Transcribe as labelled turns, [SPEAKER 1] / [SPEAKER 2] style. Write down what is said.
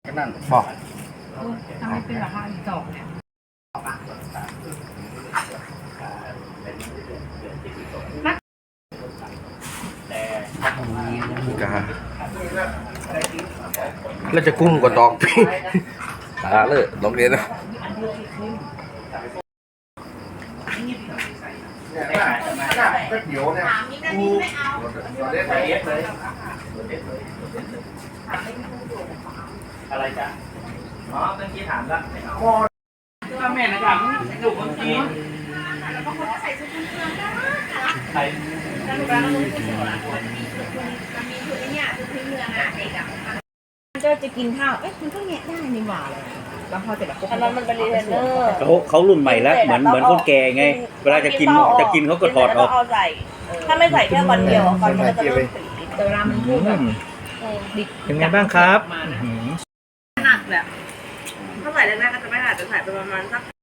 [SPEAKER 1] ก็นั่น
[SPEAKER 2] บอก
[SPEAKER 3] ทำให้เป็นราคาอีกดอกเนี่ย
[SPEAKER 2] กาแล้วจะกุ้งกับตอกพี่ตาเลยลองเรียนนะ
[SPEAKER 1] ก็เดี๋ยวเนี่ยกูเล่นไปเอฟเลยอะไรจ๊ะอ๋อเมื่อกี้ถามแล้วก็แม่นะครับลูกคนจีนใคร
[SPEAKER 4] แล้วหนูก็รู้สึกว่ามันมีชุดเนี่ยชุดพื้นเมืองอ่ะเด็กอ่ะมันก็จะกินข้าวมันก็แงะได้นี่หว่าเลยแล้วพอเสร็จแล้วก็มันเป็นรีเทนเนอร์
[SPEAKER 5] เขารุ่นใหม่แล้วเหมือนคนแก่ไง เวลาจะกินเขาก็ถอดออก
[SPEAKER 4] เอาใส่ถ้าไม่ใส่แค่วันเดียวก่อนมันจะเริ่มสีแต่เวลามันพูดแบบดิบ
[SPEAKER 5] เป็นไงบ้างครับ
[SPEAKER 4] หนักแบบถ้าใส่แรกๆก็จะไม่หนักจะใส่ไปประมาณสัก